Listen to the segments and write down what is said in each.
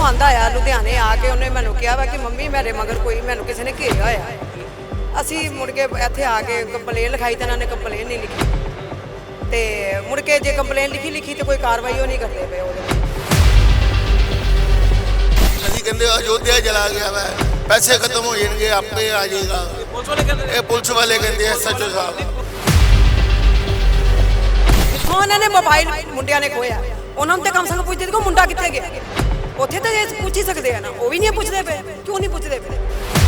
ਆਂਦਾ ਆ ਲੁਧਿਆਣੇ ਆ ਕੇ ਉਹਨੇ ਮੈਨੂੰ ਕਿਹਾ ਵਾ ਕਿ ਮੰਮੀ ਮੇਰੇ ਮਗਰ ਕੋਈ ਮੈਨੂੰ ਕਿਸੇ ਨੇ ਘੇਰਿਆ ਹੋਇਆ। ਅਸੀਂ ਮੁੜ ਕੇ ਇੱਥੇ ਆ ਕੇ ਕੰਪਲੇਨ ਲਿਖਾਈ ਤੇ ਇਹਨਾਂ ਨੇ ਕੰਪਲੇਨ ਨਹੀਂ ਲਿਖੀ ਤੇ ਮੁੜ ਕੇ ਜੇ ਕੰਪਲੇਨ ਲਿਖੀ ਤੇ ਕੋਈ ਕਾਰਵਾਈ ਉਹ ਨਹੀਂ ਕਰਦੇ ਪਏ ਉਹਦੇ ਵਿੱਚ। ਅਸੀਂ ਕਹਿੰਦੇ ਅਯੋਧਿਆ ਚਲਾ ਗਿਆ ਵਾ, ਪੈਸੇ ਖਤਮ ਹੋ ਜਾਣਗੇ ਆਪੇ ਆ ਜਾਏਗਾ। ਇਹ ਪੁਲਿਸ ਵਾਲੇ ਕਹਿੰਦੇ SHO ਸਾਹਿਬ ਕਿੱਥੋਂ ਇਹਨਾਂ ਨੇ ਮੋਬਾਈਲ ਮੁੰਡਿਆਂ ਨੇ ਖੋਇਆ, ਉਹਨਾਂ ਨੂੰ ਤੇ ਕਮ ਸੇ ਕਮ ਪੁੱਛਦੇ ਦੇਖੋ ਮੁੰਡਾ ਕਿੱਥੇ ਗਿਆ। ਉੱਥੇ ਤਾਂ ਇਹ ਪੁੱਛ ਹੀ ਸਕਦੇ ਆ ਨਾ, ਉਹ ਵੀ ਨਹੀਂ ਪੁੱਛਦੇ ਪਏ। ਕਿਉਂ ਨਹੀਂ ਪੁੱਛਦੇ ਪਏ?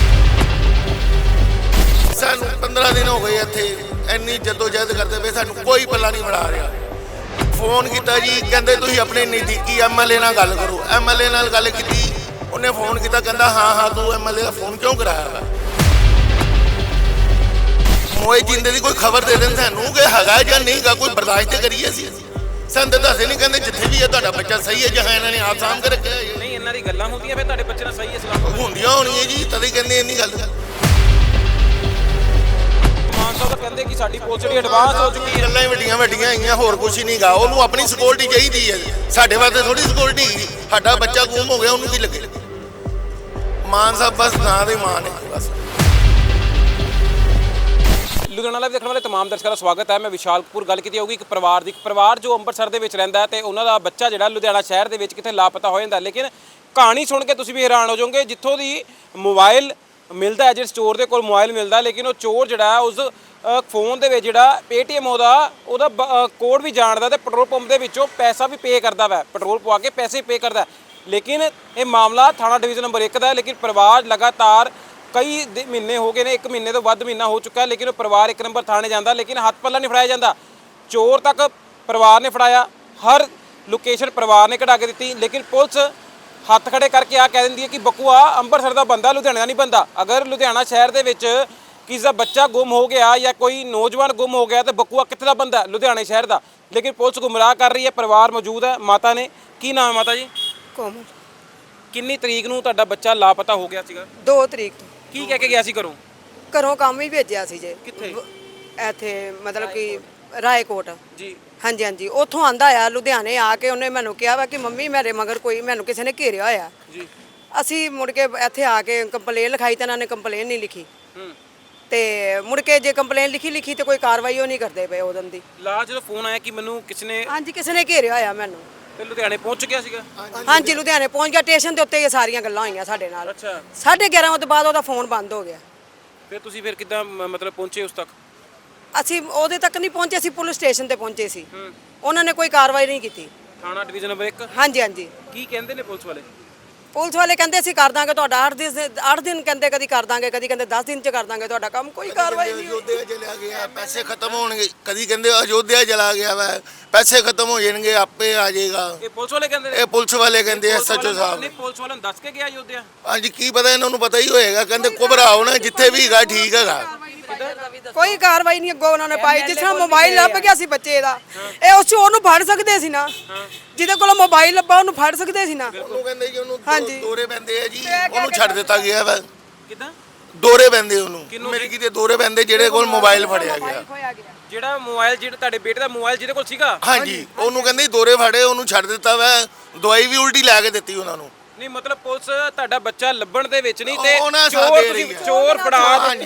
ਸਾਨੂੰ 15 ਦਿਨ ਹੋ ਗਏ ਇੱਥੇ ਇੰਨੀ ਜਦੋਜਹਿਦ ਕਰਦੇ ਪਏ, ਸਾਨੂੰ ਕੋਈ ਪੱਲਾ ਨਹੀਂ ਬਣਾ ਰਿਹਾ। ਫੋਨ ਕੀਤਾ ਜੀ, ਕਹਿੰਦੇ ਤੁਸੀਂ ਆਪਣੇ ਨਜ਼ਦੀਕੀ MLA ਨਾਲ ਗੱਲ ਕਰੋ। MLA ਨਾਲ ਗੱਲ ਕੀਤੀ, ਉਹਨੇ ਫੋਨ ਕੀਤਾ, ਕਹਿੰਦਾ ਹਾਂ ਤੂੰ MLA ਦਾ ਫੋਨ ਕਿਉਂ ਕਰਾਇਆ ਵਾ? ਮੋਏ ਜਿੰਦੇ ਦੀ ਕੋਈ ਖਬਰ ਦੇ ਦੇਣ ਸਾਨੂੰ ਕਿ ਹੈਗਾ ਜਾਂ ਨਹੀਂਗਾ, ਕੋਈ ਬਰਦਾਸ਼ਤ ਕਰੀਏ ਅਸੀਂ। ਸਾਨੂੰ ਤਾਂ ਦੱਸੇ ਨਹੀਂ, ਕਹਿੰਦੇ ਜਿੱਥੇ ਵੀ ਹੈ ਤੁਹਾਡਾ ਬੱਚਾ ਸਹੀ ਹੈ, ਜਹਾਂ ਇਹਨਾਂ ਨੇ ਆਪ ਸਾਂਭ ਕੇ ਰੱਖਿਆ ਹੈ। ਨਹੀਂ ਇਹਨਾਂ ਦੀ ਗੱਲਾਂ ਹੁੰਦੀਆਂ ਫਿਰ ਤੁਹਾਡੇ ਬੱਚੇ ਨਾਲ ਸਹੀ ਹੈ ਸਲਾਮ ਹੁੰਦੀਆਂ ਹੋਣੀਆਂ ਜੀ, ਤਦੇ ਕਹਿੰਦੇ ਇੰਨੀ ਗੱਲ। ਮਾਨ ਸਾਹਿਬ ਤਾਂ ਕਹਿੰਦੇ ਕਿ ਸਾਡੀ ਪੁਲਿਸ ਜਿਹੜੀ ਐਡਵਾਂਸ ਹੋ ਚੁੱਕੀ ਹੈ। ਗੱਲਾਂ ਹੀ ਵੱਡੀਆਂ ਆਈਆਂ, ਹੋਰ ਕੁਝ ਨਹੀਂਗਾ। ਉਹਨੂੰ ਆਪਣੀ ਸਿਕਿਉਰਿਟੀ ਚਾਹੀਦੀ ਹੈ, ਸਾਡੇ ਵਾਸਤੇ ਥੋੜੀ ਸਿਕਿਉਰਿਟੀ ਹੈਗੀ। ਸਾਡਾ ਬੱਚਾ ਗੁੰਮ ਹੋ ਗਿਆ, ਉਹਨੂੰ ਕੀ ਲੱਗੇ? ਮਾਨ ਸਾਹਿਬ ਬਸ ਨਾਂ ਦੇ ਮਾਨ ਹੈ ਬਸ। ਲੁਧਿਆਣਾ ਲਾਈਵ ਦੇਖਣ ਵਾਲੇ तमाम ਦਰਸ਼ਕਾਂ ਦਾ ਸਵਾਗਤ ਹੈ। ਮੈਂ ਵਿਸ਼ਾਲ ਕਪੂਰ। ਗੱਲ ਕੀਤੀ ਹੋਊਗੀ ਇੱਕ ਪਰਿਵਾਰ ਜੋ ਅੰਮ੍ਰਿਤਸਰ ਦੇ ਵਿੱਚ ਰਹਿੰਦਾ ਹੈ ਤੇ ਉਹਨਾਂ ਦਾ ਬੱਚਾ ਜਿਹੜਾ ਲੁਧਿਆਣਾ ਸ਼ਹਿਰ ਦੇ ਵਿੱਚ ਕਿਤੇ ਲਾਪਤਾ ਹੋ ਜਾਂਦਾ। ਲੇਕਿਨ ਕਹਾਣੀ ਸੁਣ ਕੇ ਤੁਸੀਂ ਵੀ ਹੈਰਾਨ ਹੋ ਜਾਓਗੇ। ਜਿੱਥੋਂ ਦੀ ਮੋਬਾਈਲ ਮਿਲਦਾ ਹੈ, ਜਿਹੜੇ ਸਟੋਰ ਦੇ ਕੋਲ ਮੋਬਾਈਲ ਮਿਲਦਾ, ਲੇਕਿਨ ਉਹ ਚੋਰ ਜਿਹੜਾ ਹੈ ਉਸ ਫੋਨ ਦੇ ਵਿੱਚ ਜਿਹੜਾ Paytm ਉਹਦਾ ਕੋਡ ਵੀ ਜਾਣਦਾ ਤੇ ਪੈਟਰੋਲ ਪੰਪ ਦੇ ਵਿੱਚੋਂ ਪੈਸਾ ਵੀ ਪੇ ਕਰਦਾ ਵਾ, ਪੈਟਰੋਲ ਪਵਾ ਕੇ ਪੈਸੇ ਪੇ ਕਰਦਾ। ਲੇਕਿਨ ਇਹ ਮਾਮਲਾ ਥਾਣਾ ਡਿਵੀਜ਼ਨ ਨੰਬਰ 1 ਦਾ ਹੈ। ਲੇਕਿਨ ਪਰਿਵਾਰ ਲਗਾਤਾਰ ਕਈ ਮਹੀਨੇ ਹੋ ਗਏ ਨੇ, 1 ਮਹੀਨੇ ਤੋਂ ਵੱਧ ਮਹੀਨਾ ਹੋ ਚੁੱਕਾ, ਲੇਕਿਨ ਉਹ ਪਰਿਵਾਰ 1 ਨੰਬਰ ਥਾਣੇ ਜਾਂਦਾ, ਲੇਕਿਨ ਹੱਥ ਪੱਲਾ ਨਹੀਂ ਫੜਾਇਆ ਜਾਂਦਾ। ਚੋਰ ਤੱਕ ਪਰਿਵਾਰ ਨੇ ਫੜਾਇਆ, ਹਰ ਲੋਕੇਸ਼ਨ ਪਰਿਵਾਰ ਨੇ ਕਢਾ ਕੇ ਦਿੱਤੀ, ਲੇਕਿਨ ਪੁਲਿਸ ਹੱਥ ਖੜੇ ਕਰਕੇ ਆ ਕਹਿ ਦਿੰਦੀ ਹੈ ਕਿ ਬਕੂਆ ਅੰਮ੍ਰਿਤਸਰ ਦਾ ਬੰਦਾ, ਲੁਧਿਆਣਾ ਦਾ ਨਹੀਂ ਬੰਦਾ। ਅਗਰ ਲੁਧਿਆਣਾ ਸ਼ਹਿਰ ਦੇ ਵਿੱਚ ਕਿਸੇ ਦਾ ਬੱਚਾ ਗੁੰਮ ਹੋ ਗਿਆ ਜਾਂ ਕੋਈ ਨੌਜਵਾਨ ਗੁੰਮ ਹੋ ਗਿਆ ਤਾਂ ਬਕੂਆ ਕਿੱਥੇ ਦਾ ਬੰਦਾ? ਲੁਧਿਆਣਾ ਸ਼ਹਿਰ ਦਾ। ਲੇਕਿਨ ਪੁਲਿਸ ਗੁੰਮਰਾਹ ਕਰ ਰਹੀ ਹੈ। ਪਰਿਵਾਰ ਮੌਜੂਦ ਹੈ, ਮਾਤਾ ਨੇ। ਕੀ ਨਾਮ ਹੈ ਮਾਤਾ ਜੀ? ਕੋਮਲ। ਕਿੰਨੀ ਤਰੀਕ ਨੂੰ ਤੁਹਾਡਾ ਬੱਚਾ ਲਾਪਤਾ ਹੋ ਗਿਆ ਸੀਗਾ? 2 ਤਰੀਕ ਤੋਂ। ਕੀ ਕਹਿ ਕੇ ਗਿਆ ਸੀ ਘਰੋਂ? ਘਰੋਂ ਕੰਮ ਹੀ ਭੇਜਿਆ ਸੀ ਜੇ। ਕਿੱਥੇ? ਇੱਥੇ ਮਤਲਬ ਕਿ ਰਾਏਕੋਟ ਜੀ। ਹਾਂਜੀ ਉੱਥੋਂ ਆਂਦਾ ਆ ਲੁਧਿਆਣੇ ਆ ਕੇ ਉਹਨੇ ਮੈਨੂੰ ਕਿਹਾ ਵਾ ਕਿ ਮੰਮੀ ਮੇਰੇ ਮਗਰ ਕੋਈ ਮੈਨੂੰ ਕਿਸੇ ਨੇ ਘੇਰਿਆ ਹੋਇਆ। ਜੀ। ਅਸੀਂ ਮੁੜ ਕੇ ਇੱਥੇ ਆ ਕੇ ਕੰਪਲੇਨ ਲਿਖਾਈ ਤੇ ਇਹਨਾਂ ਨੇ ਕੰਪਲੇਨ ਨਹੀਂ ਲਿਖੀ ਤੇ ਮੁੜ ਕੇ ਜੇ ਕੰਪਲੇਨ ਲਿਖੀ ਤੇ ਕੋਈ ਕਾਰਵਾਈ ਉਹ ਨਹੀਂ ਕਰਦੇ ਪਏ ਉਦੋਂ ਦੀ। ਲਾਸਟ ਜਦੋਂ ਫੋਨ ਆਇਆ ਕਿ ਮੈਨੂੰ ਕਿਸੇ ਨੇ ਹਾਂਜੀ ਕਿਸੇ ਨੇ ਘੇਰਿਆ ਹੋਇਆ ਮੈਨੂੰ, ਤੇ ਲੁਧਿਆਣੇ ਪਹੁੰਚ ਗਿਆ ਸੀਗਾ? ਹਾਂਜੀ ਲੁਧਿਆਣੇ ਪਹੁੰਚ ਗਿਆ। ਸਟੇਸ਼ਨ ਦੇ ਉੱਤੇ ਇਹ ਸਾਰੀਆਂ ਗੱਲਾਂ ਹੋਈਆਂ ਸਾਡੇ ਨਾਲ। ਅੱਛਾ। 11:30 ਵਜੇ ਤੋਂ ਬਾਅਦ ਉਹਦਾ ਫੋਨ ਬੰਦ ਹੋ ਗਿਆ। ਫਿਰ ਤੁਸੀਂ ਫਿਰ ਕਿੱਦਾਂ ਮਤਲਬ ਪਹੁੰਚੇ ਉਸ ਤੱਕ? ਅਸੀਂ ਉਹਦੇ ਤੱਕ ਨਹੀਂ ਪਹੁੰਚੇ, ਅਸੀਂ ਪੁਲਿਸ ਸਟੇਸ਼ਨ ਤੇ ਪਹੁੰਚੇ ਸੀ। ਉਹਨਾਂ ਨੇ ਕੋਈ ਕਾਰਵਾਈ ਨਹੀਂ ਕੀਤੀ। ਥਾਣਾ ਡਿਵੀਜ਼ਨ ਨੰਬਰ 1? ਹਾਂਜੀ। ਕੀ ਕਹਿੰਦੇ ਨੇ ਪੁਲਿਸ ਵਾਲੇ? ਪੁਲਿਸ ਵਾਲੇ ਕਹਿੰਦੇ ਅਸੀਂ ਕਰ ਦਾਂਗੇ ਤੁਹਾਡਾ 8 ਦਿਨ ਕਹਿੰਦੇ, ਕਦੀ ਕਰ ਦਾਂਗੇ, ਕਦੀ ਕਹਿੰਦੇ 10 ਦਿਨ ਚ ਕਰ ਦਾਂਗੇ ਤੁਹਾਡਾ ਕੰਮ। ਕੋਈ ਕਾਰਵਾਈ ਨਹੀਂ। ਅਯੋਧਿਆ ਚਲਾ ਗਿਆ, ਪੈਸੇ ਖਤਮ ਹੋਣਗੇ। ਕਦੀ ਕਹਿੰਦੇ ਅਯੋਧਿਆ ਚਲਾ ਗਿਆ ਵਾ, ਪੈਸੇ ਖਤਮ ਹੋ ਜਾਣਗੇ ਆਪੇ ਆ ਜਾਏਗਾ। ਇਹ ਪੁਲਿਸ ਵਾਲੇ ਕਹਿੰਦੇ ਨੇ? ਇਹ ਪੁਲਿਸ ਵਾਲੇ ਕਹਿੰਦੇ SHO ਸਾਹਿਬ। ਨਹੀਂ, ਪੁਲਿਸ ਵਾਲਿਆਂ ਨੂੰ ਦੱਸ ਕੇ ਗਿਆ ਅਯੋਧਿਆ? ਹਾਂਜੀ ਕੀ ਪਤਾ, ਇਹਨਾਂ ਨੂੰ ਪਤਾ ਹੀ ਹੋਏਗਾ। ਕਹਿੰਦੇ ਘਬਰਾਓ ਨਾ, ਜਿੱਥੇ ਵੀ ਹੈਗਾ ਠੀਕ ਹੈਗਾ। ਕੋਈ ਕਾਰਵਾਈ ਨਹੀਂ ਅੱਗੋਂ ਉਹਨਾਂ ਨੇ ਪਾਈ। ਜਿਸ ਤਰ੍ਹਾਂ ਮੋਬਾਈਲ ਲੱਭ ਗਿਆ ਸੀ ਬੱਚੇ ਦਾ, ਇਹ ਉਸ ਚੋਰ ਨੂੰ ਫੜ ਸਕਦੇ ਸੀ ਨਾ। ਜਿਹਦੇ ਕੋਲ ਮੋਬਾਈਲ ਲੱਭਾ ਉਹਨੂੰ ਫੜ ਸਕਦੇ ਸੀ ਨਾ। ਉਹਨੂੰ ਕਹਿੰਦੇ ਜੀ ਉਹਨੂੰ ਹਾਂਜੀ। ਦੋਰੇ ਪੈਂਦੇ ਆ ਜੀ, ਉਹਨੂੰ ਛੱਡ ਦਿੱਤਾ ਗਿਆ ਵਾ। ਕਿੱਦਾਂ ਦੋਰੇ ਪੈਂਦੇ ਉਹਨੂੰ? ਮੇਰੇ ਕੀ ਤੇ ਦੋਰੇ ਪੈਂਦੇ ਜਿਹੜੇ ਕੋਲ ਮੋਬਾਈਲ ਫੜਿਆ ਗਿਆ। ਜਿਹੜਾ ਮੋਬਾਈਲ ਜਿਹੜਾ ਤੁਹਾਡੇ ਬੇਟੇ ਦਾ ਮੋਬਾਈਲ ਜਿਹਦੇ ਕੋਲ ਸੀਗਾ? ਹਾਂਜੀ ਉਹਨੂੰ ਕਹਿੰਦੇ ਦੋਰੇ ਫੜੇ, ਉਹਨੂੰ ਛੱਡ ਦਿੱਤਾ ਵਾ। ਦਵਾਈ ਵੀ ਉਲਟੀ ਲੈ ਕੇ ਦਿੱਤੀ ਉਹਨਾਂ ਨੂੰ। ਨਹੀਂ ਮਤਲਬ ਪੁਲਿਸ ਤੁਹਾਡਾ ਬੱਚਾ ਲੱਭਣ ਦੇ ਵਿੱਚ ਨਹੀਂ ਤੇ ਉਹਨਾਂ ਸਾਥ ਦੇ ਰਹੀ ਹੈ। ਚੋਰ ਫੜਾ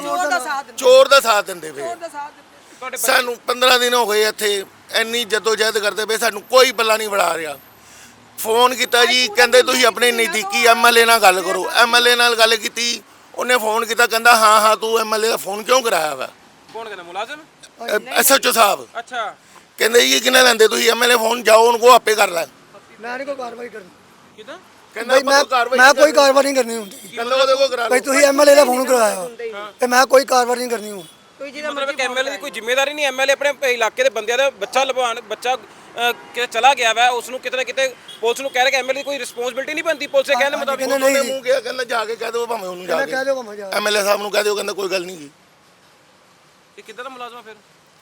ਚੋਰ ਦਾ ਸਾਥ ਦਿੰਦੇ ਪਏ। ਤੁਹਾਡੇ ਸਾਨੂੰ 15 ਦਿਨ ਹੋ ਗਏ ਇੱਥੇ ਇੰਨੀ ਜਦੋਜਹਿਦ ਕਰਦੇ ਪਏ, ਸਾਨੂੰ ਕੋਈ ਪੱਲਾ ਨਹੀਂ ਬਣਾ ਰਿਹਾ। ਫੋਨ ਕੀਤਾ ਜੀ, ਕਹਿੰਦੇ ਤੁਸੀਂ ਆਪਣੇ ਨਜ਼ਦੀਕੀ MLA ਨਾਲ ਗੱਲ ਕਰੋ। MLA ਨਾਲ ਗੱਲ ਕੀਤੀ, ਉਹਨੇ ਫੋਨ ਕੀਤਾ, ਕਹਿੰਦਾ ਹਾਂ ਤੂੰ MLA ਦਾ ਫੋਨ ਕਿਉਂ ਕਰਾਇਆ ਵਾ? ਕੌਣ ਕਹਿੰਦਾ? ਮੁਲਾਜ਼ਮ? SHO ਸਾਹਿਬ। ਅੱਛਾ। ਕਹਿੰਦੇ ਜੀ ਕਿੰਨੇ ਲੈਂਦੇ ਤੁਸੀਂ MLA ਫੋਨ, ਜਾਓ ਉਹਨੂੰ ਕੋ ਆਪੇ ਕਰ ਲੈ। ਮੈਂ ਨਹੀਂ ਕੋਈ ਕਾਰਵਾਈ ਕਰਨੀ। ਕਿੱਦਾਂ? ਕਹਿੰਦਾ ਮੈਂ ਕੋਈ ਕਾਰਵਾਈ ਨਹੀਂ ਕਰਨੀ ਹੁੰਦੀ। ਕਹਿੰਦਾ ਉਹਦੇ ਕੋ ਕਰਾ ਭਾਈ ਲਓ। ਤੁਸੀਂ MLA ਦਾ ਫੋਨ ਕਰਾਇਆ ਤੇ ਮੈਂ ਕੋਈ ਕਾਰਵਾਈ ਨਹੀਂ ਕਰਨੀ ਹੁਣ। ਮਤਲਬ ਕਿ MLA ਦੀ ਕੋਈ ਜ਼ਿੰਮੇਵਾਰੀ ਨਹੀਂ? MLA ਆਪਣੇ ਇਲਾਕੇ ਦੇ ਬੰਦਿਆਂ ਦਾ ਬੱਚਾ ਲਵਾਉਣ, ਬੱਚਾ ਕਿ ਚਲਾ ਗਿਆ ਵਾ, ਉਸ ਨੂੰ ਕਿਤੇ ਨਾ ਕਿਤੇ ਪੁਲਿਸ ਨੂੰ ਕਹਿ ਰਿਹਾ ਕਿ MLA ਦੀ ਕੋਈ ਰਿਸਪੌਂਸਿਬਿਲਟੀ ਨਹੀਂ ਬਣਦੀ ਪੁਲਿਸ ਦੇ ਕਹਿਣ ਦੇ ਮੁਤਾਬਿਕ? ਉਹਨੇ ਮੂੰਹ ਕਿਹਾ, ਕਹਿੰਦਾ ਜਾ ਕੇ ਕਹਿ ਦਿਓ ਭਾਵੇਂ ਉਹਨੂੰ ਜਾ ਮੈਂ ਕਹਿ ਕੇ ਦਿਓ ਭਾਵੇਂ ਜਾ MLA ਸਾਹਿਬ ਨੂੰ ਕਹਿ ਦਿਓ। ਕਹਿੰਦਾ ਕੋਈ ਗੱਲ ਨਹੀਂ ਜੀ। ਇਹ ਕਿੱਦਾਂ ਦਾ ਮੁਲਾਜ਼ਮ ਆ ਫਿਰ?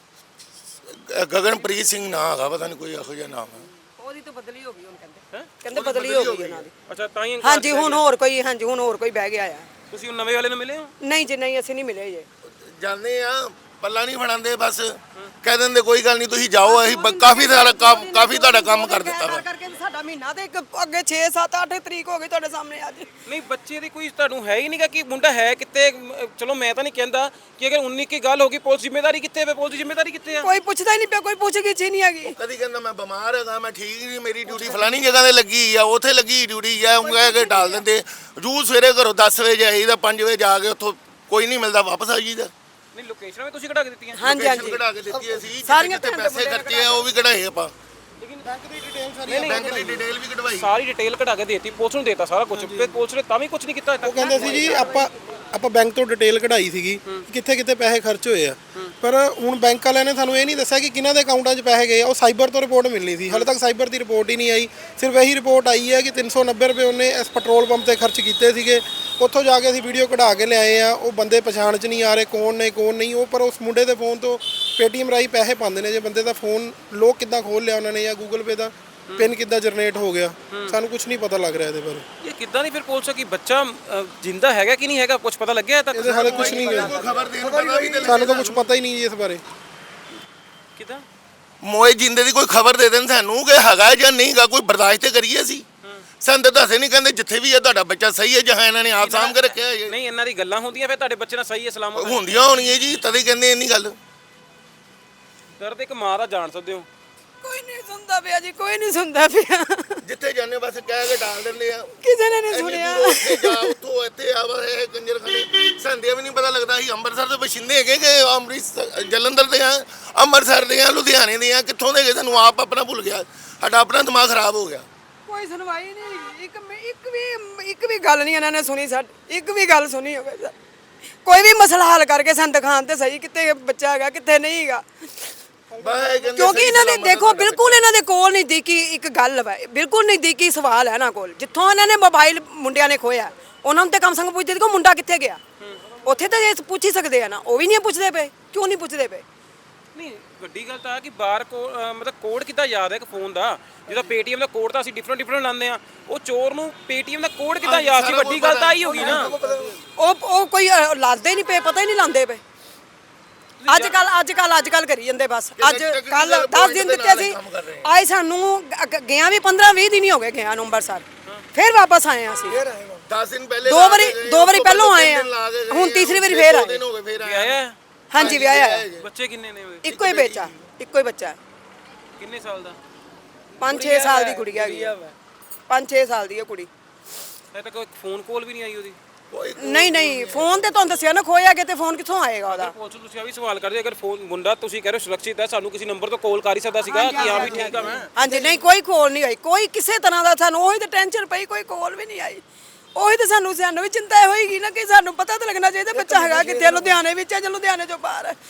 ਗਗਨਪ੍ਰੀਤ ਸਿੰਘ ਨਾਂ ਹੈਗਾ, ਪਤਾ ਨਹੀਂ ਕੋਈ ਇਹੋ ਜਿਹਾ ਨਾਮ ਹੈ। ਉਹਦੀ ਤਾਂ ਬਦਲੀ ਹੋ ਗਈ ਹੁਣ ਕਹਿੰਦੇ ਬਦਲੀ ਹੋ ਗਈ ਉਹਨਾਂ ਦੀ। ਅੱਛਾ ਤਾਂ ਹੀ ਹਾਂਜੀ ਹੁਣ ਹੋਰ ਕੋਈ ਬਹਿ ਗਿਆ ਆ। ਤੁਸੀਂ ਉਹ ਨਵੇਂ ਵਾਲੇ ਨੂੰ ਮਿਲੇ ਹੋ? ਨਹੀਂ ਜੀ ਨਹੀਂ, ਅਸੀਂ ਨਹੀਂ ਮਿਲੇ ਜੇ। ਜਾਂਦੇ ਆ ਪੱਲਾ ਨਹੀਂ ਫੜਾਉਂਦੇ ਬਸ ਕਹਿ ਦਿੰਦੇ ਕੋਈ ਗੱਲ ਨਹੀਂ ਤੁਸੀਂ ਜਾਓ ਅਸੀਂ ਕਾਫੀ ਤੁਹਾਡਾ ਕੰਮ ਕਰ ਦਿੱਤਾ ਵਾ ਕਰਕੇ ਸਾਡਾ ਮਹੀਨਾ ਤੇ ਇੱਕ ਅੱਗੇ 6 7 8 ਤਰੀਕ ਹੋ ਗਈ ਤੁਹਾਡੇ ਸਾਹਮਣੇ ਅੱਜ ਨਹੀਂ ਬੱਚੇ ਦੀ ਕੋਈ ਤੁਹਾਨੂੰ ਹੈ ਹੀ ਨਹੀਂਗਾ ਕਿ ਮੁੰਡਾ ਹੈ ਕਿੱਥੇ ਚਲੋ ਮੈਂ ਤਾਂ ਨਹੀਂ ਕਹਿੰਦਾ ਕਿ ਅਗਰ 19 ਕੀ ਗੱਲ ਹੋ ਗਈ ਪੁਲਿਸ ਜ਼ਿੰਮੇਵਾਰੀ ਕਿੱਥੇ ਹੈ ਪੁਲਿਸ ਦੀ ਜ਼ਿੰਮੇਵਾਰੀ ਕਿੱਥੇ ਆ ਕੋਈ ਪੁੱਛਦਾ ਹੀ ਨਹੀਂ ਪਿਆ ਕੋਈ ਪੁੱਛ ਗਿੱਛ ਹੀ ਨਹੀਂ ਹੈਗੀ ਕਦੀ ਕਹਿੰਦਾ ਮੈਂ ਬਿਮਾਰ ਹੈਗਾ ਮੈਂ ਠੀਕ ਨਹੀਂ ਮੇਰੀ ਡਿਊਟੀ ਫਲਾਣੀ ਜਗ੍ਹਾ ਤੇ ਲੱਗੀ ਆ ਉੱਥੇ ਲੱਗੀ ਡਿਊਟੀ ਆ ਉਹ ਕਹਿ ਕੇ ਟਾਲ ਦਿੰਦੇ ਰੂਲ ਸਵੇਰੇ ਘਰੋਂ 10 ਵਜੇ ਜਾਈਦਾ 5 ਵਜੇ ਜਾ ਕੇ ਉੱਥੋਂ ਕੋਈ ਨਹੀਂ ਮਿਲਦਾ ਵਾਪਸ ਆ ਜੀਦਾ ਨਹੀਂ ਲੋਕੇਸ਼ਨਾਂ ਵੀ ਤੁਸੀਂ ਕਢਾ ਕੇ ਦਿੱਤੀਆਂ ਹਾਂਜੀ ਹਾਂਜੀ ਕਢਾ ਕੇ ਦਿੱਤੀ ਅਸੀਂ ਸਾਰੀਆਂ ਜਿੱਥੇ ਪੈਸੇ ਖਰਚੇ ਆ ਉਹ ਵੀ ਕਢਾਏ ਆਪਾਂ ਬੈਂਕ ਦੀ ਡਿਟੇਲ ਵੀ ਕਢਵਾਈ ਸਾਰੀ ਡਿਟੇਲ ਕਢਾ ਕੇ ਦੇਤੀ ਪੁਲਿਸ ਨੂੰ ਦੇਤਾ ਸਾਰਾ ਕੁਝ ਤੇ ਪੁਲਿਸ ਨੇ ਤਾਂ ਵੀ ਕੁਝ ਨਹੀਂ ਕੀਤਾ ਉਹ ਕਹਿੰਦੇ ਸੀ ਜੀ ਆਪਾਂ ਬੈਂਕ ਤੋਂ ਡਿਟੇਲ ਕਢਾਈ ਸੀਗੀ ਕਿੱਥੇ ਕਿੱਥੇ ਪੈਸੇ ਖਰਚ ਹੋਏ ਆ ਪਰ ਹੁਣ ਬੈਂਕ ਵਾਲਿਆਂ ਨੇ ਸਾਨੂੰ ਇਹ ਨਹੀਂ ਦੱਸਿਆ ਕਿ ਕਿਹਨਾਂ ਦੇ ਅਕਾਊਂਟਾਂ 'ਚ ਪੈਸੇ ਗਏ ਆ ਉਹ ਸਾਈਬਰ ਤੋਂ ਰਿਪੋਰਟ ਮਿਲਣੀ ਸੀ ਹਾਲੇ ਤੱਕ ਸਾਈਬਰ ਦੀ ਰਿਪੋਰਟ ਹੀ ਨਹੀਂ ਆਈ ਸਿਰਫ ਇਹੀ ਰਿਪੋਰਟ ਆਈ ਹੈ ਕਿ 390 ਰੁਪਏ ਉਹਨੇ ਇਸ ਪੈਟਰੋਲ ਪੰਪ ਤੇ ਖਰਚ ਕੀਤੇ ਸੀਗੇ ਉੱਥੋਂ ਜਾ ਕੇ ਅਸੀਂ ਵੀਡੀਓ ਕਢਾ ਕੇ ਲਿਆਏ ਆ ਉਹ ਬੰਦੇ ਪਛਾਣ 'ਚ ਨਹੀਂ ਆ ਰਹੇ ਕੌਣ ਨੇ ਕੌਣ ਨਹੀਂ ਉਹ ਪਰ ਉਸ ਮੁੰਡੇ ਦੇ ਫੋਨ ਤੋਂ ਪੇਟੀਐਮ ਰਾਹੀਂ ਪੈਸੇ ਪਾਉਂਦੇ ਨੇ ਜੇ ਬੰਦੇ ਦਾ ਫੋਨ ਲੋਕ ਕਿੱਦਾਂ ਖੋਲ ਲਿਆ ਉਹਨਾਂ ਨੇ ਜਾਂ ਗੂਗਲ ਪੇ ਦਾ ਪਿਨ ਕਿੱਦਾਂ ਜਨਰੇਟ ਹੋ ਗਿਆ ਸਾਨੂੰ ਕੁਝ ਨਹੀਂ ਪਤਾ ਲੱਗ ਰਿਹਾ ਇਹਦੇ ਬਾਰੇ ਇਹ ਕਿੱਦਾਂ ਨਹੀਂ ਫਿਰ ਪੁਲਿਸ ਕਿ ਬੱਚਾ ਜਿੰਦਾ ਹੈਗਾ ਕਿ ਨਹੀਂ ਹੈਗਾ ਕੁਝ ਪਤਾ ਲੱਗਿਆ ਤੱਕ ਇਹਦੇ ਹਾਲੇ ਕੁਝ ਨਹੀਂ ਗਿਆ ਖਬਰ ਦੇਣ ਪਤਾ ਵੀ ਤੇ ਸਾਨੂੰ ਤਾਂ ਕੁਝ ਪਤਾ ਹੀ ਨਹੀਂ ਜੀ ਇਸ ਬਾਰੇ ਕਿੱਦਾਂ ਮੋਏ ਜਿੰਦੇ ਦੀ ਕੋਈ ਖਬਰ ਦੇ ਦੇਣ ਸਾਨੂੰ ਕਿ ਹੈਗਾ ਜਾਂ ਨਹੀਂਗਾ ਕੋਈ ਬਰਦਾਸ਼ਤ ਤੇ ਕਰੀਏ ਅਸੀਂ ਸਾਨੂੰ ਤਾਂ ਦੱਸੇ ਨਹੀਂ ਕਹਿੰਦੇ ਜਿੱਥੇ ਵੀ ਹੈ ਤੁਹਾਡਾ ਬੱਚਾ ਸਹੀ ਹੈ ਜਹਾਂ ਇਹਨਾਂ ਨੇ ਆਪ ਸਾਂਭ ਕੇ ਰੱਖਿਆ ਹੈ ਨਹੀਂ ਇਹਨਾਂ ਦੀ ਗੱਲਾਂ ਹੁੰਦੀਆਂ ਫਿਰ ਤੁਹਾਡੇ ਬੱਚੇ ਨਾਲ ਸਹੀ ਹੈ ਸਲਾਮਤ ਹੈ। ਹੁੰਦੀਆਂ ਹੋਣੀਆਂ ਜੀ ਤਦੇ ਕਹਿੰਦੇ ਇੰਨੀ ਗੱਲ ਦਰਦ ਇੱਕ ਮਾਂ ਦਾ ਜਾਣ ਸਕਦੇ ਹੋ ਕੋਈ ਨਹੀਂ ਸੁਣਦਾ ਪਿਆ ਜੀ ਕੋਈ ਨਹੀਂ ਸੁਣਦਾ ਪਿਆ ਜਿੱਥੇ ਜਾਂਦੇ ਬਸ ਕਹਿ ਕੇ ਡਾਲ ਦਿੰਦੇ ਆ ਕਿਸੇ ਨੇ ਨਹੀਂ ਸੁਣਿਆ ਉੱਥੇ ਜਾ ਉੱਥੋਂ ਇੱਥੇ ਆ ਬਸ ਇਹ ਕੰਜਰ ਖਾਨੇ ਸੰਦੇ ਵੀ ਨਹੀਂ ਪਤਾ ਲੱਗਦਾ ਸੀ ਅੰਮ੍ਰਿਤਸਰ ਦੇ ਬਸ਼ਿੰਦੇ ਹੈਗੇ ਕਿ ਅੰਮ੍ਰਿਤਸਰ ਜਲੰਧਰ ਦੇ ਆ ਅੰਮ੍ਰਿਤਸਰ ਦੇ ਆ ਲੁਧਿਆਣੇ ਦੇ ਆ ਕਿੱਥੋਂ ਦੇ ਗਏ ਸਾਨੂੰ ਆਪ ਆਪਣਾ ਭੁੱਲ ਗਿਆ ਸਾਡਾ ਆਪਣਾ ਦਿਮਾਗ ਖਰਾਬ ਹੋ ਗਿਆ ਕੋਈ ਸੁਣਵਾਈ ਨਹੀਂ ਇੱਕ ਵੀ ਗੱਲ ਨਹੀਂ ਇਹਨਾਂ ਨੇ ਸੁਣੀ ਸਾਡੀ ਇੱਕ ਵੀ ਗੱਲ ਸੁਣੀ ਹੋਵੇ ਕੋਈ ਵੀ ਮਸਲਾ ਹੱਲ ਕਰਕੇ ਸਾਨੂੰ ਦਿਖਾਉਣ ਤੇ ਸਹੀ ਕਿੱਥੇ ਬੱਚਾ ਹੈਗਾ ਕਿੱਥੇ ਨਹੀਂ ਹੈਗਾ ਕਿਉਂਕਿ ਇਹਨਾਂ ਦੇ ਦੇਖੋ ਬਿਲਕੁਲ ਇਹਨਾਂ ਦੇ ਕੋਲ ਨਹੀਂ ਦੀ ਕਿ ਇੱਕ ਗੱਲ ਵਾ ਬਿਲਕੁਲ ਨਹੀਂ ਦੀ ਕਿ ਸਵਾਲ ਹੈ ਇਹਨਾਂ ਕੋਲ ਜਿੱਥੋਂ ਇਹਨਾਂ ਨੇ ਮੋਬਾਈਲ ਮੁੰਡਿਆਂ ਨੇ ਖੋਇਆ ਉਹਨਾਂ ਨੂੰ ਤੇ ਕਮ ਸੰਗ ਪੁੱਛਦੇ ਕਿ ਮੁੰਡਾ ਕਿੱਥੇ ਗਿਆ ਉੱਥੇ ਤਾਂ ਇਹ ਪੁੱਛ ਹੀ ਸਕਦੇ ਆ ਨਾ ਉਹ ਵੀ ਨਹੀਂ ਪੁੱਛਦੇ ਪਏ ਕਿਉਂ ਨਹੀਂ ਪੁੱਛਦੇ ਪਏ ਨਹੀਂ ਵੱਡੀ ਗੱਲ ਤਾਂ ਆ ਕਿ ਬਾਹਰ ਮਤਲਬ ਕੋਡ ਕਿੱਦਾਂ ਯਾਦ ਹੈ ਇੱਕ ਫੋਨ ਦਾ ਜਿਹਦਾ ਪੇਟੀਐਮ ਦਾ ਕੋਡ ਤਾਂ ਅਸੀਂ ਡਿਫਰੈਂਟ ਲਾਉਂਦੇ ਆ ਉਹ ਚੋਰ ਨੂੰ ਪੇਟੀਐਮ ਦਾ ਕੋਡ ਕਿੱਦਾਂ ਯਾਦ ਸੀ ਵੱਡੀ ਗੱਲ ਤਾਂ ਆਈ ਹੋ ਗਈ ਨਾ ਉਹ ਕੋਈ ਲਾਦੇ ਨਹੀਂ ਪਏ ਪਤਾ ਹੀ ਨਹੀਂ ਲਾਉਂਦੇ ਪਏ ਅੱਜ ਕੱਲ ਕਰੀ ਜਾਂਦੇ ਬਸ ਅੱਜ ਕੱਲ 10 ਦਿਨ ਦਿੱਤੇ ਸੀ ਆਏ ਸਾਨੂੰ ਗਿਆ ਵੀ 15-20 ਦਿਨ ਹੀ ਹੋ ਗਏ ਗਿਆ ਅੰਮ੍ਰਿਤਸਰ ਫਿਰ ਵਾਪਸ ਆਏ ਆ ਅਸੀਂ 10 ਦਿਨ ਪਹਿਲੇ ਦੋ ਵਾਰੀ ਪਹਿਲੋਂ ਆਏ ਆ ਹੁਣ ਤੀਸਰੀ ਵਾਰੀ ਫੇਰ ਆਏ ਆਇਆ ਹਾਂਜੀ ਵਿਆਹਿਆ ਹੈ ਬੱਚੇ ਕਿੰਨੇ ਨੇ ਉਹਦੇ ਇੱਕੋ ਹੀ ਬੱਚਾ ਕਿੰਨੇ ਸਾਲ ਦਾ 5-6 ਸਾਲ ਦੀ ਕੁੜੀ ਹੈਗੀ 5-6 ਸਾਲ ਦੀ ਹੈ ਕੁੜੀ ਅਜੇ ਤੱਕ ਕੋਈ ਫੋਨ ਕਾਲ ਵੀ ਨਹੀਂ ਆਈ ਉਹਦੀ ਨਹੀਂ ਫੋਨ ਤੇ ਤੁਹਾਨੂੰ ਦੱਸਿਆ ਨਾ ਖੋਇਆ ਕਿ ਤੇ ਫੋਨ ਕਿੱਥੋਂ ਆਏਗਾ ਉਹਦਾ ਪੁਲਿਸ ਨੂੰ ਤੁਸੀਂ ਆ ਵੀ ਸਵਾਲ ਕਰਦੇ ਅਗਰ ਫੋਨ ਮੁੰਡਾ ਤੁਸੀਂ ਕਹਿ ਰਹੇ ਹੋ ਸੁਰੱਖਿਅਤ ਹੈ ਸਾਨੂੰ ਕਿਸੇ ਨੰਬਰ ਤੋਂ ਕਾਲ ਕਰ ਹੀ ਸਕਦਾ ਸੀਗਾ ਕਿ ਹਾਂ ਵੀ ਠੀਕ ਆ ਮੈਂ ਹਾਂਜੀ ਨਹੀਂ ਕੋਈ ਕਾਲ ਨਹੀਂ ਆਈ ਕੋਈ ਕਿਸੇ ਤਰ੍ਹਾਂ ਦਾ ਸਾਨੂੰ ਉਹੀ ਤੇ ਟੈਨਸ਼ਨ ਪਈ ਕੋਈ ਕਾਲ ਵੀ ਨਹੀਂ ਆਈ ਉਹੀ ਤੇ ਸਾਨੂੰ ਵੀ ਚਿੰਤਾ ਹੋਏਗੀ ਨਾ ਕਿ ਸਾਨੂੰ ਪਤਾ ਤਾਂ ਲੱਗਣਾ ਚਾਹੀਦਾ ਬੱਚਾ ਹੈਗਾ ਕਿੱਥੇ ਲੁਧਿਆਣੇ ਵਿੱਚ ਹੈ ਜਾਂ ਲੁਧਿਆਣੇ ਤੋਂ ਬਾਹਰ ਹੈ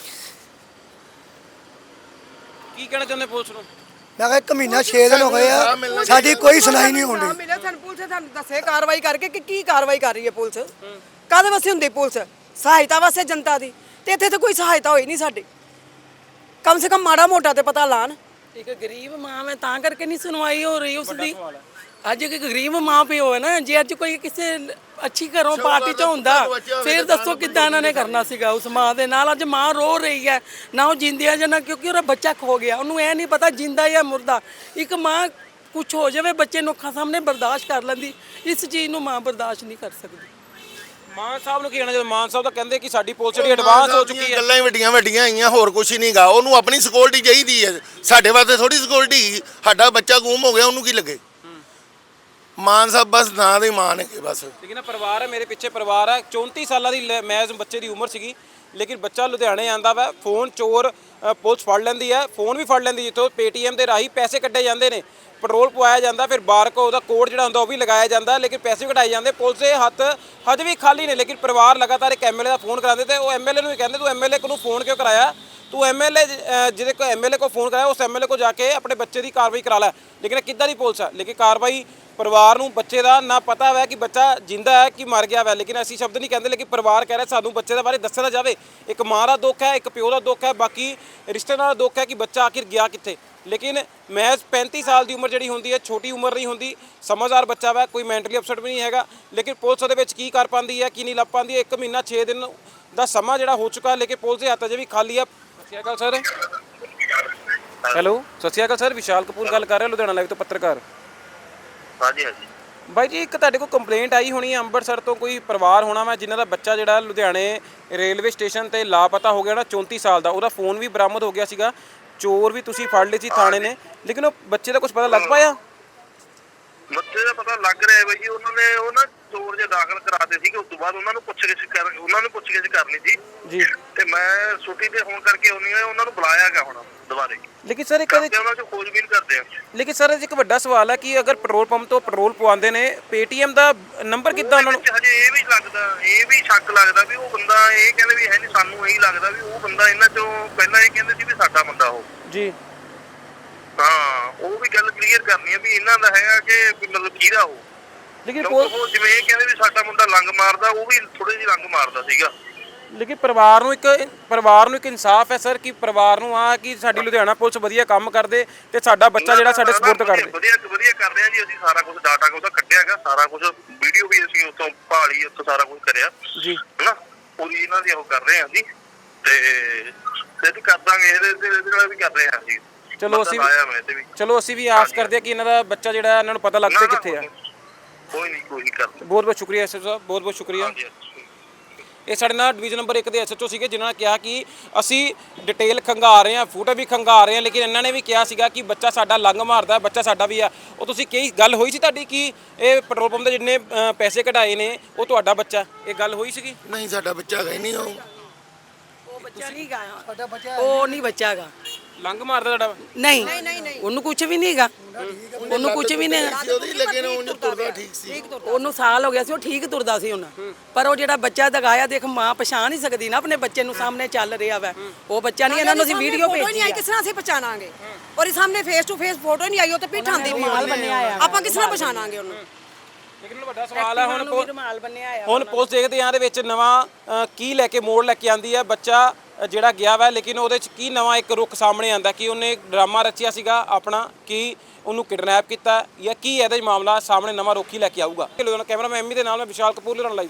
ਕੀ ਕਹਿਣਾ ਚਾਹੁੰਦੇ ਪੁਲਿਸ ਨੂੰ ਮੈਂ ਕਿਹਾ 1 ਮਹੀਨਾ 6 ਦਿਨ ਹੋ ਗਏ ਆ ਸਾਡੀ ਕੋਈ ਸੁਣਾਈ ਨਹੀਂ ਹੁੰਦੀ ਮਿਲਿਆ ਸਾਨੂੰ ਪੁਲਿਸ ਸਾਨੂੰ ਦੱਸੇ ਕਾਰਵਾਈ ਕਰਕੇ ਕਿ ਕੀ ਕਾਰਵਾਈ ਕਰ ਰਹੀ ਹੈ ਪੁਲਿਸ ਕਾਹਦੇ ਵਾਸਤੇ ਹੁੰਦੀ ਪੁਲਿਸ ਸਹਾਇਤਾ ਵਾਸਤੇ ਜਨਤਾ ਦੀ ਤੇ ਇੱਥੇ ਤਾਂ ਕੋਈ ਸਹਾਇਤਾ ਹੋਈ ਨਹੀਂ ਸਾਡੀ ਕਮ ਸੇ ਕਮ ਮਾੜਾ ਮੋਟਾ ਤੇ ਪਤਾ ਲਾਣ ਇੱਕ ਗਰੀਬ ਮਾਂ ਹੈ ਤਾਂ ਕਰਕੇ ਨਹੀਂ ਸੁਣਵਾਈ ਹੋ ਰਹੀ ਉਸ ਦੀ ਅੱਜ ਇੱਕ ਗਰੀਬ ਮਾਂ ਪਿਓ ਹੈ ਨਾ ਜੇ ਅੱਜ ਕੋਈ ਕਿਸੇ ਅੱਛੀ ਘਰੋਂ ਪਾਰਟੀ ਚ ਹੁੰਦਾ ਫਿਰ ਦੱਸੋ ਕਿੱਦਾਂ ਇਹਨਾਂ ਨੇ ਕਰਨਾ ਸੀਗਾ ਉਸ ਮਾਂ ਦੇ ਨਾਲ ਅੱਜ ਮਾਂ ਰੋ ਰਹੀ ਹੈ ਨਾ ਉਹ ਜਿੰਦੀ ਹੈ ਜਾਂ ਨਾ ਕਿਉਂਕਿ ਉਹਦਾ ਬੱਚਾ ਖੋ ਗਿਆ ਉਹਨੂੰ ਇਹ ਨਹੀਂ ਪਤਾ ਜਿੰਦਾ ਜਾਂ ਮੁਰਦਾ ਇੱਕ ਮਾਂ ਕੁਝ ਹੋ ਜਾਵੇ ਬੱਚੇ ਨੂੰ ਅੱਖਾਂ ਸਾਹਮਣੇ ਬਰਦਾਸ਼ਤ ਕਰ ਲੈਂਦੀ ਇਸ ਚੀਜ਼ ਨੂੰ ਮਾਂ ਬਰਦਾਸ਼ਤ ਨਹੀਂ ਕਰ ਸਕਦੀ ਮਾਨ ਸਾਹਿਬ ਨੂੰ ਕੀ ਕਹਿਣਾ ਜਦੋਂ ਮਾਨ ਸਾਹਿਬ ਤਾਂ ਕਹਿੰਦੇ ਕਿ ਸਾਡੀ ਪੁਲਿਸ ਜਿਹੜੀ ਐਡਵਾਂਸ ਹੋ ਚੁੱਕੀ ਹੈ ਗੱਲਾਂ ਹੀ ਵੱਡੀਆਂ ਆਈਆਂ ਹੋਰ ਕੁਝ ਨਹੀਂਗਾ ਉਹਨੂੰ ਆਪਣੀ ਸਿਕਿਉਰਿਟੀ ਚਾਹੀਦੀ ਹੈ ਸਾਡੇ ਵਾਸਤੇ ਥੋੜੀ ਸਿਕਿਉਰਿਟੀ ਸਾਡਾ ਬੱਚਾ ਗੁੰਮ ਹੋ ਗਿਆ ਉਹਨੂੰ ਕੀ ਲੱਗੇ ਮਾਨ ਸਾਹਿਬ ਬਸ ਨਾਂ ਦੇ ਮਾਨ ਹੈਗੇ ਬਸ ਲੇਕਿਨ ਪਰਿਵਾਰ ਹੈ ਮੇਰੇ ਪਿੱਛੇ ਪਰਿਵਾਰ ਹੈ 34 ਸਾਲਾਂ ਦੀ ਮੈਜ਼ ਬੱਚੇ ਦੀ ਉਮਰ ਸੀਗੀ ਲੇਕਿਨ ਬੱਚਾ ਲੁਧਿਆਣੇ ਆਂਦਾ ਵਾ ਫੋਨ ਚੋਰ ਪੁਲਿਸ ਫੜ ਲੈਂਦੀ ਹੈ ਫੋਨ ਵੀ ਫੜ ਲੈਂਦੀ ਜਿੱਥੋਂ ਪੇਟੀਐਮ ਦੇ ਰਾਹੀਂ ਪੈਸੇ ਕੱਢੇ ਜਾਂਦੇ ਨੇ ਪੈਟਰੋਲ ਪਵਾਇਆ ਜਾਂਦਾ ਫਿਰ ਬਾਰਕੋਡ ਉਹਦਾ ਕੋਡ ਜਿਹੜਾ ਹੁੰਦਾ ਉਹ ਵੀ ਲਗਾਇਆ ਜਾਂਦਾ ਲੇਕਿਨ ਪੈਸੇ ਵੀ ਕਢਾਏ ਜਾਂਦੇ ਪੁਲਿਸ ਦੇ ਹੱਥ ਹਜੇ ਵੀ ਖਾਲੀ ਨੇ ਲੇਕਿਨ ਪਰਿਵਾਰ ਲਗਾਤਾਰ ਇੱਕ ਐਮਐਲਏ ਦਾ ਫੋਨ ਕਰਾਉਂਦੇ ਤੇ ਉਹ ਐਮਐਲਏ ਨੂੰ ਵੀ ਕਹਿੰਦੇ ਤੂੰ ਐਮਐਲਏ ਨੂੰ ਫੋਨ ਕਿਉਂ ਕਰਾਇਆ ਤੂੰ ਐਮਐਲਏ ਜਿਹਦੇ ਕੋ ਐਮਐਲਏ ਕੋ ਫੋਨ ਕਰਾਇਆ ਉਸ ਐਮਐਲਏ ਕੋ ਜਾ ਕੇ ਆਪਣੇ ਬੱਚੇ ਦੀ ਕਾਰਵਾਈ ਕਰਾ ਲੈ ਲੇਕਿਨ ਕਿੱਦਾਂ ਦੀ ਪੁਲਿਸ ਹੈ ਲੇਕਿਨ ਕਾਰਵਾਈ ਪਰਿਵਾਰ ਨੂੰ ਬੱਚੇ ਦਾ ਨਾ ਪਤਾ ਹੈ ਕਿ ਬੱਚਾ ਜਿੰਦਾ ਹੈ ਕਿ ਮਰ ਗਿਆ ਹੈ ਲੇਕਿਨ ਅਸੀਂ ਸ਼ਬਦ ਨਹੀਂ ਕਹਿੰਦੇ ਲੇਕਿਨ ਪਰਿਵਾਰ ਕਹਿ ਰਿਹਾ ਸਾਨੂੰ ਬੱਚੇ ਦੇ ਬਾਰੇ ਦੱਸਿਆ ਜਾਵੇ ਇੱਕ ਮਾਂ ਦਾ ਦੁੱਖ ਹੈ ਇੱਕ ਪਿਓ ਦਾ ਦੁੱਖ ਹੈ ਬਾਕੀ ਰਿਸ਼ਤੇਦਾਰਾਂ ਦਾ ਦੁੱਖ ਹੈ ਕਿ ਬੱਚਾ ਆਖਿਰ ਗਿਆ ਕਿੱਥੇ ਲੇਕਿਨ ਮਹਿਜ਼ 35 ਸਾਲ ਦੀ ਉਮਰ ਜਿਹੜੀ ਹੁੰਦੀ ਹੈ ਛੋਟੀ ਉਮਰ ਨਹੀਂ ਹੁੰਦੀ ਸਮਝਦਾਰ ਬੱਚਾ ਵਾ ਕੋਈ ਮੈਂਟਲੀ ਅਪਸੈਟ ਵੀ ਨਹੀਂ ਹੈਗਾ ਲੇਕਿਨ ਪੁਲਿਸ ਉਹਦੇ ਵਿੱਚ ਕੀ ਕਰ ਪਾਉਂਦੀ ਹੈ ਕੀ ਨਹੀਂ ਲੱਭ ਪਾਉਂਦੀ ਹੈ 1 ਮਹੀਨਾ 6 ਦਿਨ ਦਾ ਸਮਾਂ ਜਿਹੜਾ ਹੋ ਚੁੱਕਾ, ਲੇਕਿਨ ਪੁਲਿਸ ਦੇ ਹੱਥ ਅਜੇ ਵੀ ਖਾਲੀ ਆ। ਸਤਿ ਸ਼੍ਰੀ ਅਕਾਲ ਸਰ। ਹੈਲੋ, ਸਤਿ ਸ਼੍ਰੀ ਅਕਾਲ ਸਰ, ਵਿਸ਼ਾਲ ਕਪੂਰ ਗੱਲ ਕਰ ਰਿਹਾ ਲੁਧਿਆਣਾ ਲਾਈਵ ਤੋਂ ਪੱਤਰਕਾਰ। ਹਾਂਜੀ ਹਾਂਜੀ ਬਾਈ ਜੀ, ਇੱਕ ਤੁਹਾਡੇ ਕੋਲ ਕੰਪਲੇਂਟ ਆਈ ਹੋਣੀ ਹੈ ਅੰਮ੍ਰਿਤਸਰ ਤੋਂ, ਕੋਈ ਪਰਿਵਾਰ ਹੋਣਾ ਵਾ ਜਿਨ੍ਹਾਂ ਦਾ ਬੱਚਾ ਜਿਹੜਾ ਲੁਧਿਆਣੇ ਰੇਲਵੇ ਸਟੇਸ਼ਨ ਤੇ ਲਾਪਤਾ ਹੋ ਗਿਆ ਨਾ, 34 ਸਾਲ ਦਾ। ਉਹਦਾ ਫੋਨ ਵੀ ਬਰਾਮਦ ਹੋ ਗਿਆ ਸੀਗਾ, ਚੋਰ ਵੀ ਤੁਸੀਂ ਫੜ ਲਏ ਸੀ ਥਾਣੇ ਨੇ, ਲੇਕਿਨ ਉਹ ਬੱਚੇ ਦਾ ਕੁਝ ਪਤਾ ਲੱਗ ਪਾਇਆ? ਬੱਚੇ ਦਾ ਪਤਾ ਲੱਗ ਰਿਹਾ ਬਾਈ ਜੀ, ਉਹਨਾਂ ਨੇ ਉਹ ਨਾ ਚੋਰ ਜੇ ਦਾਖਲ ਕਰਾਤੇ ਸੀਗੇ। ਉਸ ਤੋਂ ਬਾਅਦ ਉਹਨਾਂ ਨੂੰ ਪੁੱਛਗਿੱਛ ਕਰਨੀ ਸੀ ਜੀ। ਤੇ ਮੈਂ ਛੁੱਟੀ ਤੇ ਹੋਣ ਕਰਕੇ ਉਹਨਾਂ ਨੂੰ ਬੁਲਾਇਆ ਗਿਆ ਹੁਣ ਦੁਬਾਰੇ। ਲੇਕਿਨ ਸਰ ਇੱਕ ਉਹਨਾਂ ਚ ਖੋਜਬੀਨ ਕਰਦੇ ਆ। ਲੇਕਿਨ ਸਰ ਇੱਕ ਵੱਡਾ ਸਵਾਲ ਹੈ ਕਿ ਅਗਰ ਪੈਟਰੋਲ ਪੰਪ ਤੋਂ ਪੈਟਰੋਲ ਪਵਾਉਂਦੇ ਨੇ, ਪੇਟੀਐਮ ਦਾ ਨੰਬਰ ਕਿੱਦਾਂ ਉਹਨਾਂ ਨੂੰ? ਹਜੇ ਇਹ ਵੀ ਸ਼ੱਕ ਲੱਗਦਾ ਵੀ ਉਹ ਬੰਦਾ, ਇਹ ਕਹਿੰਦੇ ਵੀ ਹੈ ਨਹੀਂ, ਸਾਨੂੰ ਇਹੀ ਲੱਗਦਾ ਵੀ ਉਹ ਬੰਦਾ ਇਹਨਾਂ ਚੋਂ ਪਹਿਲਾਂ ਇਹ ਕਹਿੰਦੇ ਸੀ ਵੀ ਸਾਡਾ ਬੰਦਾ ਉਹ ਜੀ। ਹਾਂ, ਉਹ ਵੀ ਗੱਲ ਕਲੀਅਰ ਕਰਨੀ ਹੈ ਵੀ ਇਹਨਾਂ ਦਾ ਹੈਗਾ ਕਿ ਮਤਲਬ ਕਿਹਦਾ ਉਹ। ਲੇਕਿਨ ਉਹ ਜਿਵੇਂ ਇਹ ਕਹਿੰਦੇ ਵੀ ਸਾਡਾ ਮੁੰਡਾ ਲੰਗ ਮਾਰਦਾ, ਉਹ ਵੀ ਥੋੜੀ ਜਿਹੀ ਲੰਗ ਮਾਰਦਾ ਸੀਗਾ। ਲੇਕਿਨ ਪਰਿਵਾਰ ਨੂੰ ਇੱਕ ਇਨਸਾਫ ਹੈ ਸਰ, ਕਿ ਪਰਿਵਾਰ ਨੂੰ ਆ ਕਿ ਸਾਡੀ ਲੁਧਿਆਣਾ ਪੁਲਿਸ ਵਧੀਆ ਕੰਮ ਕਰਦੇ ਤੇ ਸਾਡਾ ਬੱਚਾ ਜਿਹੜਾ ਸਾਡੇ ਸਪੁਰਦ ਕਰਦੇ। ਵਧੀਆ ਕਰ ਰਹੇ ਆ ਜੀ, ਅਸੀਂ ਸਾਰਾ ਕੁਝ ਡਾਟਾ ਉਹਦਾ ਕੱਢਿਆ ਹੈਗਾ, ਸਾਰਾ ਕੁਝ ਵੀਡੀਓ ਵੀ ਅਸੀਂ ਉੱਥੋਂ ਭਾਲੀ, ਉੱਥੋਂ ਸਾਰਾ ਕੁਝ ਕਰਿਆ ਜੀ, ਹਨਾ। ਪੂਰੀ ਇਹਨਾਂ ਦੀ ਉਹ ਕਰ ਰਹੇ ਆ ਜੀ, ਤੇ ਕਰ ਦਾਂਗੇ ਇਹਦੇ ਨਾਲ ਵੀ ਕਰ ਰਹੇ ਆ ਜੀ। ਚਲੋ ਅਸੀਂ ਵੀ ਆਸ ਕਰਦੇ ਆ ਕਿ ਇਹਨਾਂ ਦਾ ਬੱਚਾ ਜਿਹੜਾ ਇਹਨਾਂ ਨੂੰ ਪਤਾ ਲੱਗ ਪਏ ਕਿੱਥੇ ਆ। ਕੋਈ ਨਹੀਂ ਕਰਦੇ। ਬਹੁਤ ਬਹੁਤ ਸ਼ੁਕਰੀਆ ਐਸਐਚਓ ਸਾਹਿਬ, ਬਹੁਤ ਬਹੁਤ ਸ਼ੁਕਰੀਆ। ਇਹ ਸਾਡੇ ਨਾਲ ਡਿਵੀਜ਼ਨ ਨੰਬਰ 1 ਦੇ ਐਸਐਚਓ ਸੀਗੇ, ਜਿਨ੍ਹਾਂ ਨੇ ਕਿਹਾ ਕਿ ਅਸੀਂ ਡਿਟੇਲ ਖੰਗਾ ਰਹੇ ਹਾਂ, ਫੋਟੋ ਵੀ ਖੰਗਾ ਰਹੇ ਹਾਂ, ਲੇਕਿਨ ਇਹਨਾਂ ਨੇ ਵੀ ਕਿਹਾ ਸੀਗਾ ਕਿ ਬੱਚਾ ਸਾਡਾ ਲੰਘ ਮਾਰਦਾ, ਬੱਚਾ ਸਾਡਾ ਵੀ ਆ। ਉਹ ਤੁਸੀਂ ਕੀ ਗੱਲ ਹੋਈ ਸੀ ਤੁਹਾਡੀ ਕਿ ਇਹ ਪੈਟਰੋਲ ਪੰਪ ਦੇ ਜਿੰਨੇ ਪੈਸੇ ਕਢਾਏ ਨੇ ਉਹ ਤੁਹਾਡਾ ਬੱਚਾ, ਇਹ ਗੱਲ ਹੋਈ ਸੀਗੀ? ਨਹੀਂ, ਸਾਡਾ ਬੱਚਾ ਹੈਗਾ ਹੀ ਨਹੀਂ। ਉਹ ਬੱਚਾ ਨਹੀਂ ਗਾ, ਸਾਡਾ ਬੱਚਾ ਉਹ ਨਹੀਂ ਬੱਚਾ ਹੈਗਾ, ਲੰਘ ਮਾਰਦਾ ਤੁਹਾਡਾ? ਨਹੀਂ, ਉਹਨੂੰ ਕੁਝ ਵੀ ਨਹੀਂ ਹੈਗਾ, ਉਹਨੂੰ ਕੁਝ ਵੀ ਨਹੀਂ। ਉਹਦੀ ਲੱਗੇ ਨੇ, ਉਹਨੂੰ ਤੁਰਦਾ ਠੀਕ ਸੀ। ਉਹਨੂੰ ਸਾਲ ਹੋ ਗਿਆ ਸੀ, ਉਹ ਠੀਕ ਤੁਰਦਾ ਸੀ ਉਹਨਾਂ। ਪਰ ਉਹ ਜਿਹੜਾ ਬੱਚਾ ਦਗਾਇਆ, ਦੇਖ ਮਾਂ ਪਛਾਣ ਨਹੀਂ ਸਕਦੀ ਨਾ ਆਪਣੇ ਬੱਚੇ ਨੂੰ, ਸਾਹਮਣੇ ਚੱਲ ਰਿਹਾ ਵਾ ਉਹ ਬੱਚਾ ਨਹੀਂ। ਇਹਨਾਂ ਨੂੰ ਅਸੀਂ ਵੀਡੀਓ ਭੇਜੀ ਆ, ਕਿਸ ਤਰ੍ਹਾਂ ਅਸੀਂ ਪਛਾਣਾਂਗੇ? ਔਰ ਸਾਹਮਣੇ ਫੇਸ ਟੂ ਫੇਸ ਫੋਟੋ ਨਹੀਂ ਆਈ, ਉਹ ਤੇ ਪਿੱਠਾਂ ਦੀ ਵੀ ਆਪਾਂ ਕਿਸ ਤਰ੍ਹਾਂ ਪਛਾਣਾਂਗੇ ਉਹਨੂੰ? ਲੇਕਿਨ ਵੱਡਾ ਸਵਾਲ ਹੈ ਹੁਣ ਬੰਨਿਆ ਆ। ਹੁਣ ਪੁਲਿਸ ਦੇਖਦੇ ਆ ਇਹਦੇ ਵਿੱਚ ਨਵਾਂ ਕੀ ਲੈ ਕੇ ਮੋੜ ਲੈ ਕੇ ਆਂਦੀ ਹੈ। ਬੱਚਾ ਜਿਹੜਾ ਗਿਆ ਵਾ, ਲੇਕਿਨ ਉਹਦੇ 'ਚ ਕੀ ਨਵਾਂ ਇੱਕ ਰੁੱਖ ਸਾਹਮਣੇ ਆਂਦਾ ਕਿ ਉਹਨੇ ਡਰਾਮਾ ਰਚਿਆ ਸੀਗਾ ਆਪਣਾ, ਕਿ ਉਹਨੂੰ ਕਿਡਨੈਪ ਕੀਤਾ ਜਾਂ ਕੀ ਇਹਦਾ ਮਾਮਲਾ ਸਾਹਮਣੇ ਨਵਾਂ ਰੁੱਖ ਹੀ ਲੈ ਕੇ ਆਊਗਾ। ਕੈਮਰਾਮੈਨ ਐਮੀ ਦੇ ਨਾਲ ਮੈਂ ਵਿਸ਼ਾਲ ਕਪੂਰ ਲੁਧਿਆਣਾ ਲਾਈਵ।